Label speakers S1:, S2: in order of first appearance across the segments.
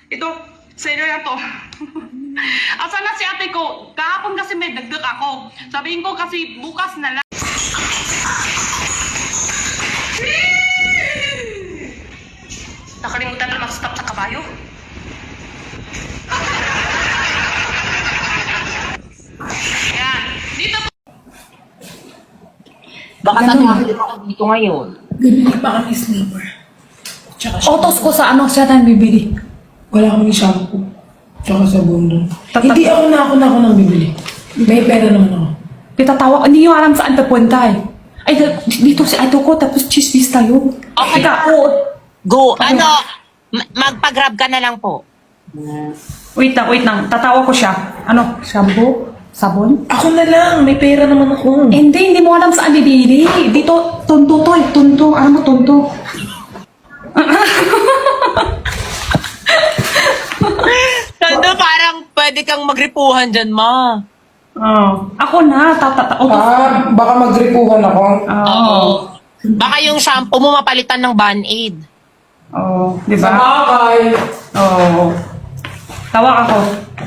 S1: Ito, sa'yo na to. Asa na si ate ko? Kahapon kasi may dagdag ako. Sabihin ko kasi bukas na lang. Nakalimutan na mag-stop sa kabayo. Ayan. Dito po.
S2: Baka tatuloy ako dito ngayon.
S3: Bibili pa kami sleeper. Tsaka
S4: Otos ko sa ano siya tayong bibili.
S3: wala kami shampoo. Tsaka sabon doon.
S4: Tatat-
S3: Hindi ako nang bibili. May pera naman ako.
S4: Pitatawa, hindi nyo alam saan papunta eh. Ay, dito si Ato ko, tapos chismis tayo.
S2: Okay.
S4: Teka, oo.
S2: Go, magpa-grab ka na lang po.
S4: Wait lang. Tatawa ko siya. Ano? Shampoo? Sabon?
S3: Ako na lang. May pera naman ako.
S4: Hindi mo alam saan bibili. Dito, tunto to eh. Tunto. Ano mo, tunto?
S2: Tando, parang pwede kang magripuhan dyan, ma.
S4: Oh. Ako na.
S3: Baka magripuhan ako.
S4: Oo.
S2: Baka yung shampoo mo mapalitan ng Band-Aid.
S4: Oo. Di
S3: Sa
S4: ba?
S3: bakay.
S4: Oo. Tawa ako.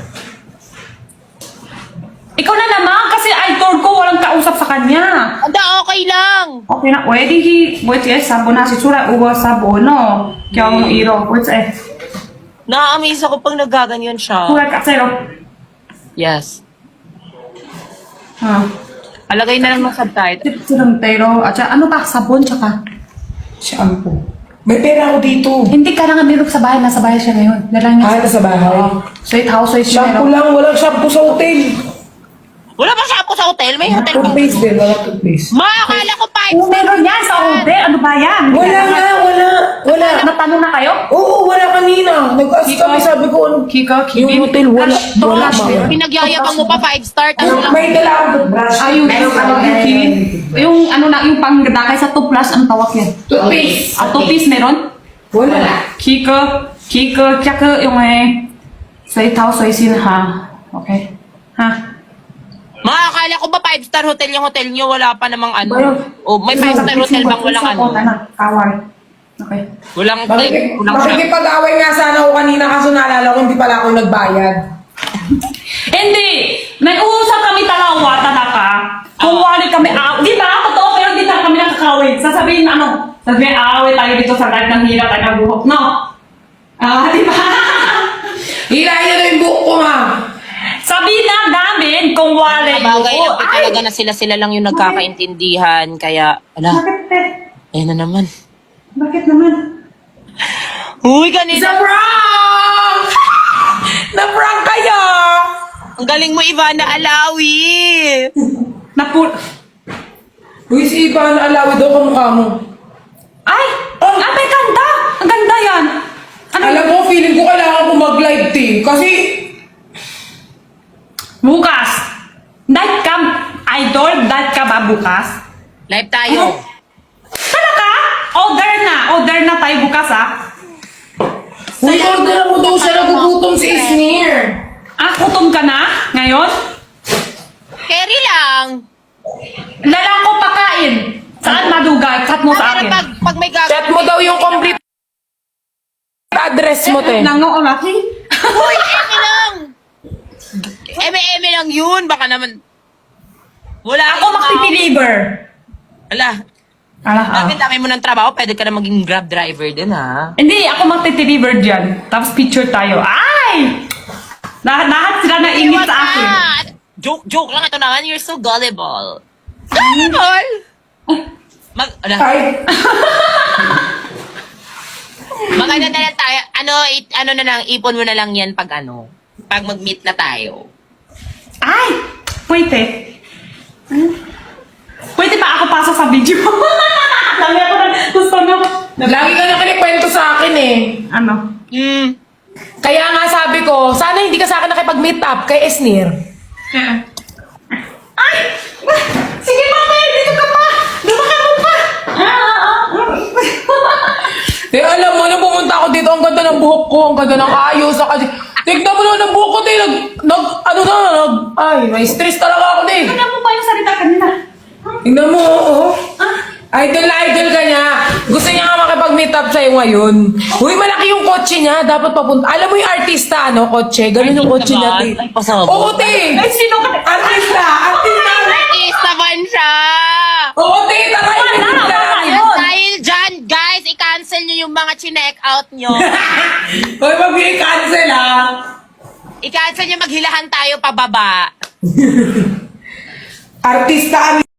S4: Ikaw na naman kasi idol ko walang kausap sa kanya.
S2: Anda, okay lang.
S4: Okay na. Pwede wait yes, sabon na si Sura. Uwa sabon, no? Kaya mong iro. Wait eh.
S2: Na-amaze ako pag nagaganyan siya.
S4: Sura ka sa'yo.
S2: Yes.
S4: Ha.
S2: Alagay na lang ng subtitle.
S4: Silang pero. At saka, ano ba? Sabon tsaka.
S3: Shampoo. May pera ako dito.
S4: Hindi ka na nga meron sa bahay. Nasa bahay siya ngayon. Dalang niya.
S3: Nasa bahay.
S4: Sweet house, sweet
S3: Shampoo
S4: meron.
S3: lang. Walang shampoo sa hotel.
S2: Wala ba shampoo sa hotel? May hotel ba?
S3: Toothpaste din. Wala toothpaste.
S2: Ma, akala ko pa.
S4: Oo, meron yan sa hotel. Ano ba yan?
S3: Wala nga. Wala.
S4: Natanong na kayo?
S3: Oo, wala kanina. Nag-ask kami. Sabi ko, ano?
S4: Kika,
S3: Yung hotel, wala. Wala
S4: Flash,
S3: ba?
S2: Pinagyayabang mo pa 5-star. Ano lang?
S3: May dala akong toothbrush.
S4: Yung ano na, yung pangdakay sa tuplas, ang tawag yan.
S3: Toothpaste.
S4: Tupis meron?
S3: Wala.
S4: Kika, tsaka yung sweet house, sweet sin ha. Okay? Ha?
S2: Ma, akala ko ba 5-star hotel yung hotel nyo? Wala pa namang ano.
S4: Bayo.
S2: O, may 5-star hotel bang walang ano?
S4: Kaway. Okay.
S2: Walang walang shampoo.
S3: Makikipag-away nga sana ako kanina kaso naalala ko hindi pala ako nagbayad.
S4: Hindi! Nag-uusap kami talawa, talaga. Kung wali kami, di ba? Totoo, pero di na kami nakakawin. Sasabihin na ano, sasabihin, away tayo dito sa life ng hirap at nabuhok. No? Di ba?
S3: Hilahin na yung buhok ko, ma.
S4: Sabihin na namin kung wali.
S2: Bagay lang po
S4: Ay!
S2: talaga na sila lang yung nagkakaintindihan. Kaya, ala,
S4: Bakit, te?
S2: ayun na naman.
S4: Bakit naman?
S2: Uy,
S3: It's a
S2: ganito.
S3: prank! Na-prank kayo!
S2: Ang galing mo, Ivana Alawi.
S4: Napul...
S3: Uy, si Ivan, alawi daw kamukha mo.
S4: Ay!
S3: Oh.
S4: May ganda! Ang ganda yan! Ano?
S3: Alam mo, feeling ko kailangan ko mag-live team. Kasi,
S4: Bukas! Dive ka, idol? Dive ka ba bukas?
S2: Live tayo.
S4: Talaga? Order na tayo bukas, ah.
S3: uy, order mo daw siya, nagugutom si Isnir.
S4: Kutom ka na? Ngayon?
S2: Carry lang.
S4: Lalang ko pakain. Saan madugay? Cut mo sa
S2: Pero
S4: akin.
S2: pag may gagawin.
S3: Chat mo daw yung complete address mo, te.
S4: Nangoon natin.
S2: Uy, eme lang. Eme lang yun. Baka naman. Wala
S4: Ako magti-deliver.
S2: Ala, dami mo ng trabaho. Pwede ka na maging grab driver din, ha?
S4: Hindi, ako magti-deliver dyan. Tapos picture tayo. Ay! Lahat sila na ingit sa akin.
S2: Joke lang ito naman. You're so gullible. Gullible!
S3: Ay,
S2: Maganda na lang tayo. Ano na lang, ipon mo na lang yan pag mag-meet na tayo.
S4: Ay! Pwede. Pwede ba ako pasok sa video? Lagi ako na gusto nyo.
S3: lagi ka na kinikwento sa akin eh.
S4: Ano?
S3: Kaya nga sabi ko, sana hindi ka sa akin nakipag-meet up kay Esnir.
S4: Ay! Sige, mama! Dito ka pa! Dumakan mo pa!
S3: Eh, alam mo, nung pumunta ako dito, ang ganda ng buhok ko, ang ganda ng ayos, tignan mo naman ang buhok ko, ay, may stress talaga ako, te.
S4: Tignan mo pa yung salita kanina.
S3: Tignan mo, oo. Idol na idol ka niya. Gusto niya nga makipag mag-meet up sa'yo ngayon. Uy, malaki yung kotse niya. Dapat papunta. Alam mo yung artista, ano, kotse? Ganun yung kotse niya, te.
S2: Ay, pasabog.
S3: Oo, te.
S4: Ay, sino ka?
S3: Artista! Artista!
S2: Artista man siya!
S3: Oo, te. Tara, i-meet na namin.
S4: Yun.
S2: Dahil dyan, guys, i-cancel nyo yung mga chinek out nyo.
S3: Uy, mag-cancel, ha?
S2: I-cancel nyo, maghilahan tayo pababa.
S3: Artista